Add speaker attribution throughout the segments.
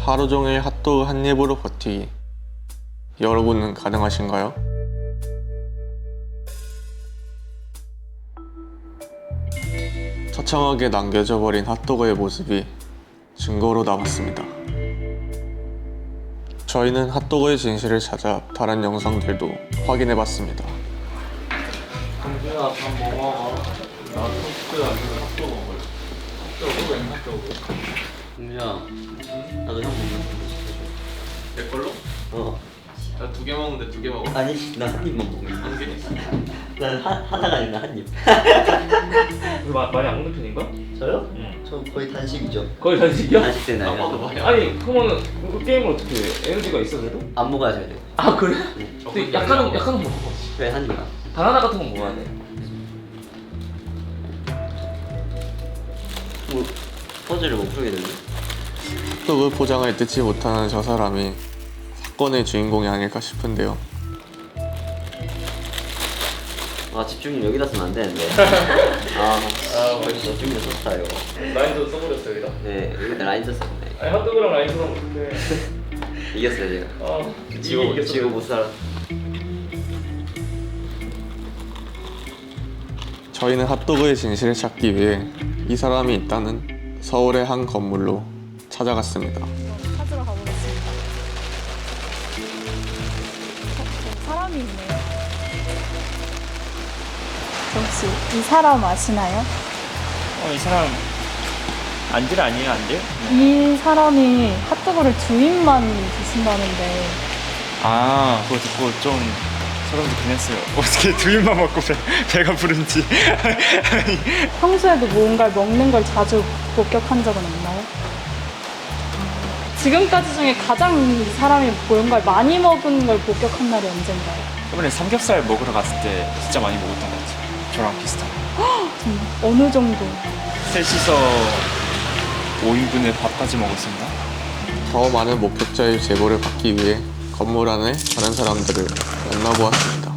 Speaker 1: 하루 종일 핫도그 한 입으로 버티기. 여러분은 가능하신가요? 처참하게 남겨져 버린 핫도그의 모습이 증거로 남았습니다. 저희는 핫도그의 진실을 찾아 다른 영상들도 확인해봤습니다.
Speaker 2: 강준아 밥 먹어. 나 토스트 아니면 핫도그 먹을래. 핫도그 웬 핫도그?
Speaker 3: 공주야, 나도 형 먹는 거 시켜줘.
Speaker 1: 내 걸로?
Speaker 3: 어.
Speaker 1: 나 2개 먹는데 2개 먹어.
Speaker 3: 아니, 나 한 입만 먹는
Speaker 1: 한 개?
Speaker 3: 난 하나가 아니라 한 입.
Speaker 2: 많이 안 먹는 편인가?
Speaker 3: 저요?
Speaker 2: 응.
Speaker 3: 저 거의 단식이죠.
Speaker 2: 거의 단식이야?
Speaker 3: 단식 되나요?
Speaker 1: 나도 많이
Speaker 2: 아니 그러면은 이거 게임을 어떻게 해? 에너지가 있어 그래도?
Speaker 3: 안 먹어야 돼요.
Speaker 2: 아 그래?
Speaker 3: 응.
Speaker 2: 근데 약간은 먹어.
Speaker 3: 그래, 한 입.
Speaker 2: 바나나 같은 거 먹어야 돼.
Speaker 3: 뭐 퍼즐을 못 풀게 되네.
Speaker 1: 핫도그 포장을 뜯지 못하는 저 사람이 사건의 주인공이 아닐까 싶은데요.
Speaker 3: 아, 집중력 여기다 쓰면 안 되는데. 벌써 집중력 썼다 이거.
Speaker 2: 라인도 써버렸어 여기다.
Speaker 3: 네, 여기다 라인 썼었네.
Speaker 2: 아니 핫도그랑 라인 써면 어떡해.
Speaker 3: 이겼어요 제가. 지고 못 살아.
Speaker 1: 저희는 핫도그의 진실을 찾기 위해 이 사람이 있다는 서울의 한 건물로 찾아갔습니다.
Speaker 4: 찾으러 가보겠습니다. 사람이 있네요. 혹시 이 사람 아시나요?
Speaker 5: 이 사람 안질 아니에요, 안질?
Speaker 4: 이 사람이 핫도그를 두 입만 드신다는데
Speaker 5: 그거 듣고 좀 소름 돋긴 했어요. 어떻게 두 입만 먹고 배가 부른지.
Speaker 4: 평소에도 뭔가를 먹는 걸 자주 목격한 적은 없나요? 지금까지 중에 가장 이 사람이 뭔가를 많이 먹은 걸 목격한 날이 언젠가요?
Speaker 5: 이번에 삼겹살 먹으러 갔을 때 진짜 많이 먹었던 것 같아요. 저랑 비슷한.
Speaker 4: 정말 어느 정도?
Speaker 5: 셋이서 5인분의 밥까지 먹었습니다.
Speaker 1: 더 많은 목격자의 제보를 받기 위해 건물 안에 다른 사람들을 만나보았습니다.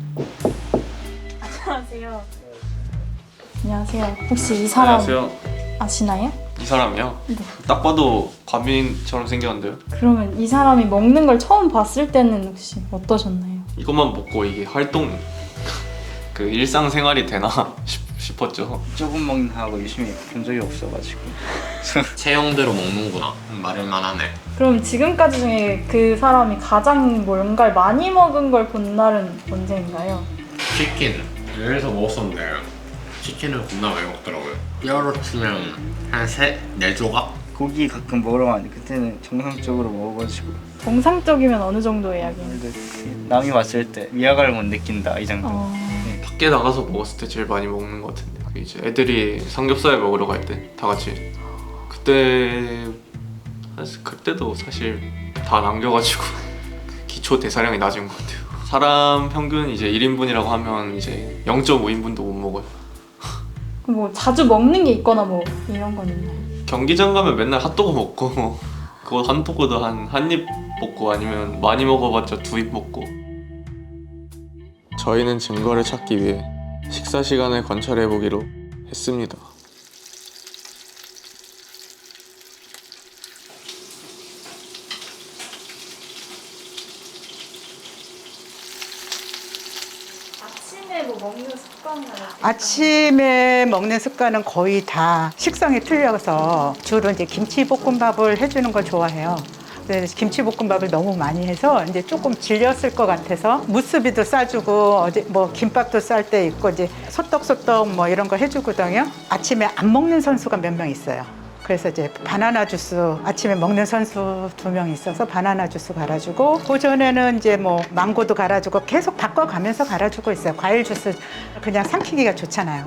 Speaker 4: 안녕하세요. 안녕하세요. 혹시 이 사람 아시나요?
Speaker 1: 이 사람이요?
Speaker 4: 네.
Speaker 1: 딱 봐도 과민처럼 생겼는데요?
Speaker 4: 그러면 이 사람이 먹는 걸 처음 봤을 때는 혹시 어떠셨나요?
Speaker 1: 이것만 먹고 이게 활동 그 일상생활이 되나 싶었죠.
Speaker 5: 조금 먹는다고 열심히 본 적이 없어가지고.
Speaker 6: 체형대로 먹는구나 말을만 하네.
Speaker 4: 그럼 지금까지 중에 그 사람이 가장 뭔가를 많이 먹은 걸 본 날은 언제인가요?
Speaker 6: 치킨 여기서 먹었었는데 치킨을 겁나 많이 먹더라고요. 뼈로 치면 한 4조각?
Speaker 5: 고기 가끔 먹으러 가는데 그때는 정상적으로 먹어가지고.
Speaker 4: 정상적이면 어느 정도의 약이에요?
Speaker 5: 남이 봤을 때 위화감을 못 느낀다 이 정도.
Speaker 1: 밖에 나가서 먹었을 때 제일 많이 먹는 것 같은데 그게 이제 애들이 삼겹살 먹으러 갈 때 다 같이 그때도 사실 다 남겨가지고 기초 대사량이 낮은 것 같아요. 사람 평균 이제 1인분이라고 하면 이제 0.5인분도 못 먹어요.
Speaker 4: 그럼 뭐 자주 먹는 게 있거나 뭐 이런 건 있나요?
Speaker 1: 경기장 가면 맨날 핫도그 먹고 그거 핫도그도 한 입 먹고 아니면 많이 먹어봤자 2입 먹고. 저희는 증거를 찾기 위해 식사 시간을 관찰해보기로 했습니다.
Speaker 4: 아침에 뭐 먹는 습관이나
Speaker 7: 아침에 먹는 습관은 거의 다 식성이 틀려서 주로 이제 김치볶음밥을 해주는 걸 좋아해요. 그래서 김치볶음밥을 너무 많이 해서 이제 조금 질렸을 것 같아서 무스비도 싸주고 어제 뭐 김밥도 쌀 때 있고 이제 소떡소떡 뭐 이런 거 해주거든요. 아침에 안 먹는 선수가 몇 명 있어요. 그래서 이제 바나나 주스 아침에 먹는 선수 2명 있어서 바나나 주스 갈아주고 그 전에는 이제 뭐 망고도 갈아주고 계속 바꿔가면서 갈아주고 있어요. 과일 주스 그냥 삼키기가 좋잖아요.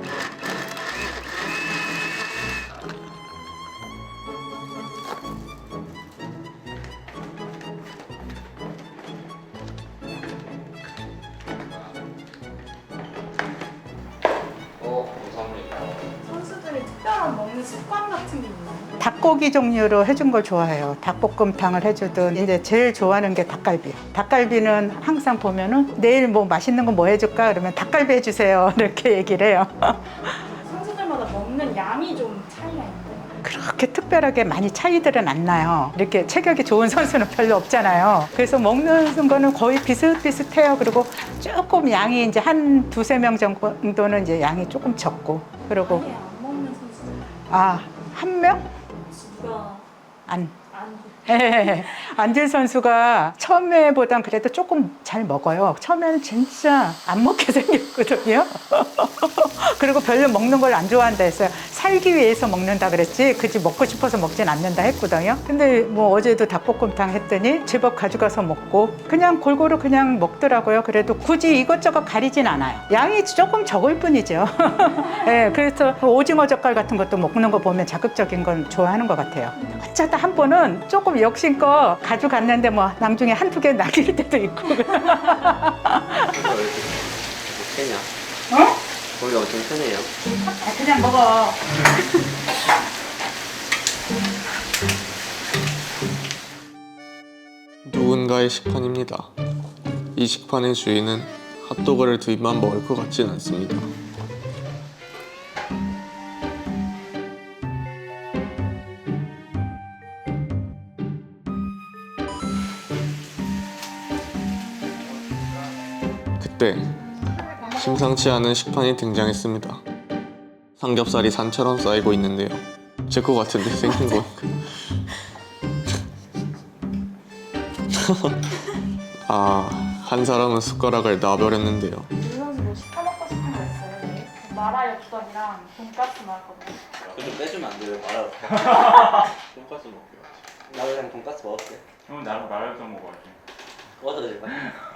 Speaker 4: 선수들이 특별한 먹는 습관 같은 게 있나요?
Speaker 7: 닭고기 종류로 해준 걸 좋아해요. 닭볶음탕을 해주든 이제 제일 좋아하는 게 닭갈비. 닭갈비는 항상 보면은 내일 뭐 맛있는 거 뭐 해줄까 그러면 닭갈비 해주세요 이렇게 얘기를 해요.
Speaker 4: 선수들마다 먹는 양이 좀 차이가 있나요?
Speaker 7: 그렇게 특별하게 많이 차이들은 안 나요. 이렇게 체격이 좋은 선수는 별로 없잖아요. 그래서 먹는 거는 거의 비슷비슷해요. 그리고 조금 양이 이제 한 두세 명 정도는 이제 양이 조금 적고. 그리고
Speaker 4: 아예 안 먹는 선수는
Speaker 7: 한 명?
Speaker 4: 누가
Speaker 7: 안.
Speaker 4: 안
Speaker 7: 예, 안질 선수가 처음에보단 그래도 조금 잘 먹어요. 처음에는 진짜 안 먹게 생겼거든요. 그리고 별로 먹는 걸 안 좋아한다 했어요. 살기 위해서 먹는다 그랬지 그지 먹고 싶어서 먹진 않는다 했거든요. 근데 뭐 어제도 닭볶음탕 했더니 제법 가져가서 먹고 그냥 골고루 그냥 먹더라고요. 그래도 굳이 이것저것 가리진 않아요. 양이 조금 적을 뿐이죠. 예, 그래서 오징어 젓갈 같은 것도 먹는 거 보면 자극적인 건 좋아하는 것 같아요. 어쩌다 한 번은 조금 욕심껏 가져갔는데 뭐 나중에 한두 개 남길 때도 있고.
Speaker 3: 못 캐냐?
Speaker 7: 어?
Speaker 3: 거기 엄청 편해요.
Speaker 7: 그냥 먹어.
Speaker 1: 누군가의 식판입니다. 이 식판의 주인은 핫도그를 두 입만 먹을 것 같진 않습니다. 그때 심상치 않은 식판이 등장했습니다. 삼겹살이 산처럼 쌓이고 있는데요. 제 거 같은데 생긴 거. 한 사람은 숟가락을 놔버렸는데요.
Speaker 4: 이 선수 뭐 시켜 먹고 싶은 거 있어요? 내일? 마라육전이랑 돈까스 나왔거든요.
Speaker 3: 좀 빼주면 안 돼요? 말아.
Speaker 1: 돈까스 먹게요.
Speaker 3: 나 그냥 돈까스 먹을게.
Speaker 5: 형 나랑 말할까 먹어야지.
Speaker 3: 먹어도 될까?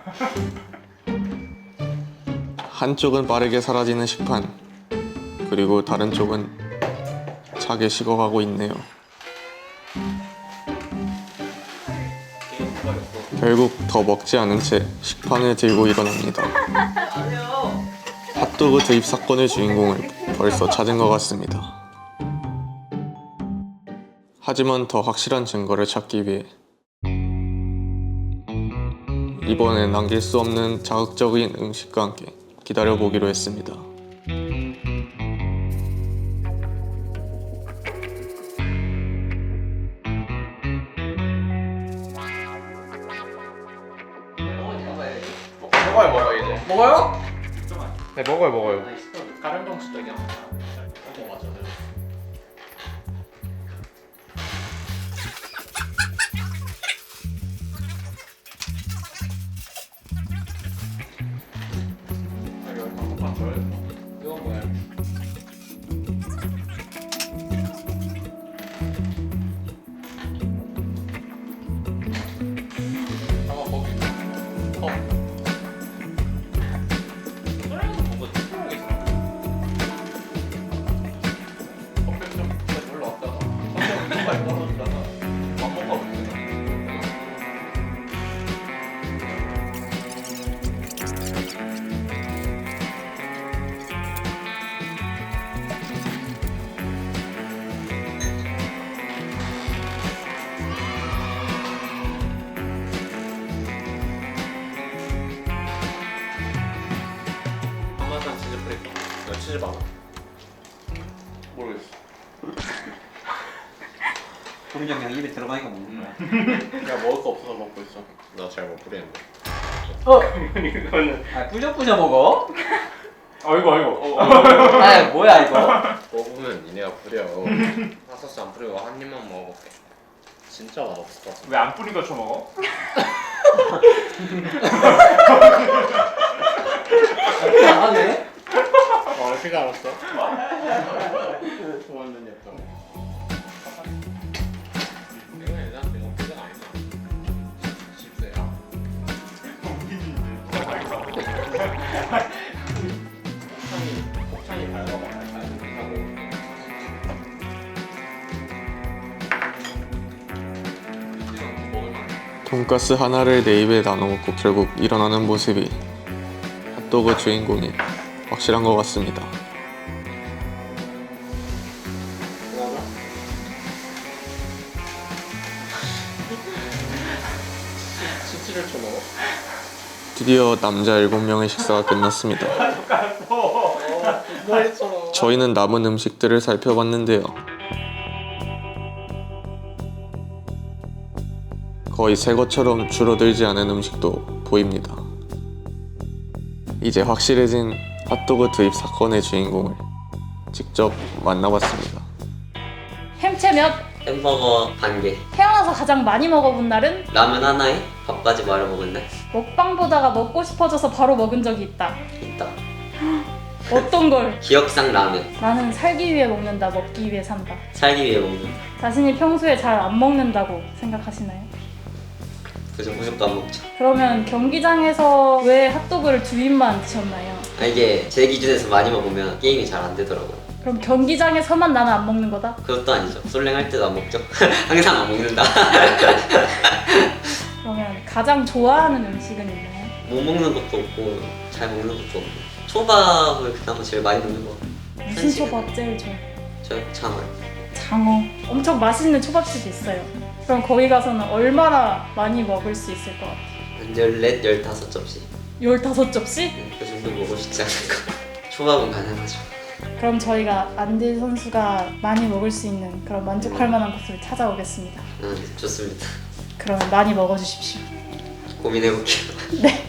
Speaker 1: 한쪽은 빠르게 사라지는 식판, 그리고 다른 쪽은 차게 식어가고 있네요. 결국 더 먹지 않은 채 식판을 들고 일어납니다. 핫도그 드입 사건의 주인공을 벌써 찾은 것 같습니다. 하지만 더 확실한 증거를 찾기 위해 이번엔 남길 수 없는 자극적인 음식과 함께 기다려보기로 했습니다.
Speaker 6: 먹어요 이제. 먹어요? 네 먹어요.
Speaker 1: 다른 방식적이야. 맞아.
Speaker 6: 이건 뭐야?
Speaker 1: 한마산 치즈 프레이크. 나 치즈 많아. 모르겠어.
Speaker 3: 그냥 그냥 입에 들어가니까 먹는 거야.
Speaker 1: 야 먹을 거 없어서 먹고 있어.
Speaker 6: 나 잘 못 부리는데.
Speaker 5: 이거는
Speaker 3: 뿌셔뿌셔 먹어?
Speaker 5: 아이고
Speaker 3: 아 뭐야 이거?
Speaker 6: 먹으면 니네가 부려. 핫소스 안 뿌리고 한 입만 먹어볼게. 진짜 맛없을 것 같은데.
Speaker 5: 왜 안 뿌린 거 쳐먹어?
Speaker 3: 나가네?
Speaker 6: 어떻게 알았어? 완전 예뻐. 내가 얘한테 이거 표정 아니다. 10세야. 폭탄이 밝아봐.
Speaker 1: 돈가스 하나를 내 입에 나눠먹고 결국 일어나는 모습이 핫도그 주인공이 확실한 것 같습니다.
Speaker 6: 치즈를 쳐먹어?
Speaker 1: 드디어 남자 7명의 식사가 끝났습니다. 저희는 남은 음식들을 살펴봤는데요. 거의 새 것처럼 줄어들지 않은 음식도 보입니다. 이제 확실해진 핫도그 투입 사건의 주인공을 직접 만나봤습니다.
Speaker 4: 햄채 몇?
Speaker 3: 햄버거 반 개.
Speaker 4: 태어나서 가장 많이 먹어본 날은?
Speaker 3: 라면 하나에 밥까지 말아 먹은 날
Speaker 4: 먹방 보다가 먹고 싶어져서 바로 먹은 적이 있다.
Speaker 3: 있다.
Speaker 4: 어떤 걸?
Speaker 3: 기억상 라면.
Speaker 4: 나는 살기 위해 먹는다, 먹기 위해 산다.
Speaker 3: 살기 위해 먹는.
Speaker 4: 자신이 평소에 잘 안 먹는다고 생각하시나요?
Speaker 3: 그래서 무조건 안 먹죠.
Speaker 4: 그러면 경기장에서 왜 핫도그를 두 입만 드셨나요?
Speaker 3: 아, 이게 제 기준에서 많이 먹으면 게임이 잘 안 되더라고요.
Speaker 4: 그럼 경기장에서만 나는 안 먹는 거다?
Speaker 3: 그것도 아니죠. 솔랭 할 때도 안 먹죠. 항상 안 먹는다.
Speaker 4: 그러면 가장 좋아하는 음식은 있나요?
Speaker 3: 못 먹는 것도 없고 잘 먹는 것도 없고 초밥을 그나마 제일 많이 먹는 것 같아요.
Speaker 4: 무슨 초밥 제일 좋아?
Speaker 3: 저 장어요.
Speaker 4: 장어. 엄청 맛있는 초밥집이 있어요. 그럼 거기 가서는 얼마나 많이 먹을 수 있을 것 같아요?
Speaker 3: 한 14, 15접시.
Speaker 4: 15접시?
Speaker 3: 그 정도 먹고 싶지 않을까. 초밥은 가능하죠.
Speaker 4: 그럼 저희가 안딜 선수가 많이 먹을 수 있는 그런 만족할 만한 곳을 찾아오겠습니다.
Speaker 3: 좋습니다.
Speaker 4: 그러면 많이 먹어주십시오.
Speaker 3: 고민해볼게요.
Speaker 4: 네.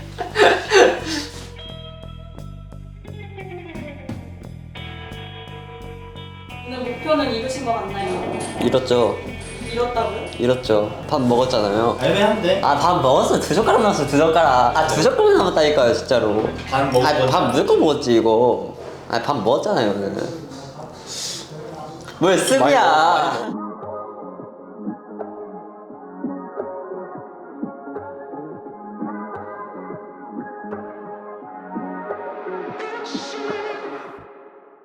Speaker 4: 오늘 목표는 이루신 것 같나요?
Speaker 3: 이렇죠.
Speaker 4: 이뤘다고요?
Speaker 3: 이렇죠. 밥 먹었잖아요.
Speaker 2: 애매한데?
Speaker 3: 아, 밥 먹었어. 2젓가락 남았어. 2젓가락. 아, 2젓가락 남았다니까요, 진짜로.
Speaker 2: 반 먹은
Speaker 3: 아,
Speaker 2: 거지?
Speaker 3: 밥 무조건 먹었지, 이거. 아, 밥 먹었잖아요, 오늘. 뭘 습이야.